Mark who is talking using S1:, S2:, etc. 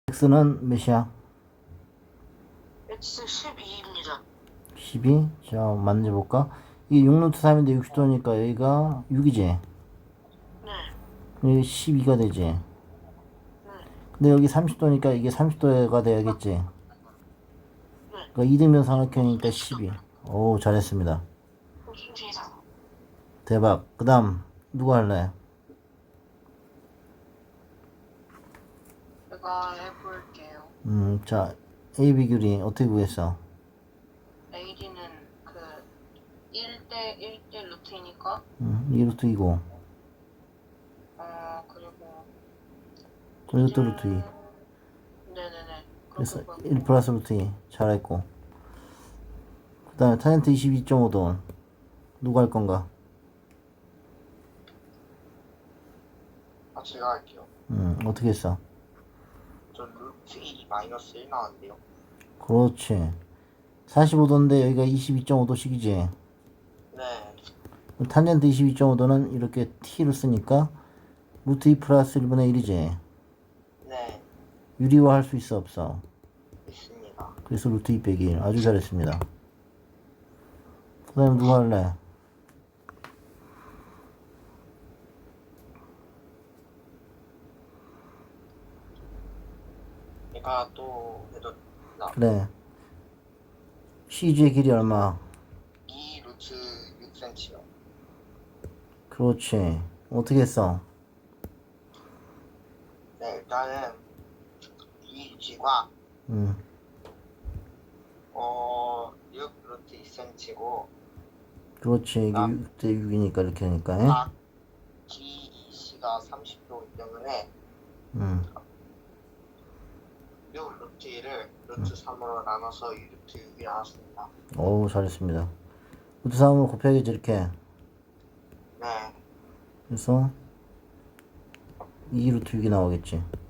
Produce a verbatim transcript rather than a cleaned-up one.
S1: x는 몇이야?
S2: x 십이입니다.
S1: 십이? 자, 만져볼까? 이게 육 루트 삼인데 육십 도니까 여기가 육이지?
S2: 네,
S1: 여기 십이가 되지?
S2: 네.
S1: 근데 여기 삼십 도니까 이게 삼십 도가 돼야겠지?
S2: 네.
S1: 그러니까 이등변 삼각형이니까 십이. 오, 잘했습니다.
S2: 무슨 세상?
S1: 대박. 그 다음, 누가 할래?
S2: 제가 해볼게요.
S1: 음, 자, A 비결이 어떻게 구했어?
S2: 에이디는 그 일 대 일 대 루트이니까
S1: 음, 이 루트 이고,
S2: 어 그리고
S1: 이것도 루트 이.
S2: 네네네.
S1: 그래서
S2: 그렇게
S1: 일 플러스 루트 이. 잘했고. 그 다음에 탄젠트 이십이 점 오 도. 누가 할 건가?
S3: 아, 제가 할게요.
S1: 음, 어떻게 했어?
S3: 저 루트 이 마이너스 일 나왔는데요.
S1: 그렇지. 사십오 도인데 여기가 이십이 점 오 도씩이지.
S3: 네.
S1: 탄젠트 이십이 점 오 도는 이렇게 t를 쓰니까 루트 이 플러스 일분의 일이지.
S3: 네.
S1: 유리화 할 수 있어 없어?
S3: 있습니다.
S1: 그래서 루트 이 빼기 일. 아주 잘했습니다. 그 다음에 누가 할래?
S3: 제가 또 해도 나
S1: 그래. 씨지의 길이 얼마?
S3: 이 루트 육 센티미터요.
S1: 그렇지. 어떻게 했어?
S3: 네, 일단은 이 유지가
S1: 음,
S3: 어 육 루트 이 센티미터고
S1: 그렇지. 이게
S3: 아.
S1: 육 대 육이니까 이렇게 하니까. 에?
S3: 각 지 이 씨가 삼십 도이기 때문에
S1: 음,
S3: 육 루트 일을 루트 삼으로 나눠서 이 루트 육이 나왔습니다.
S1: 어우, 잘했습니다. 루트 삼으로 곱해야겠지, 이렇게.
S3: 네.
S1: 그래서 이 루트 육이 나오겠지.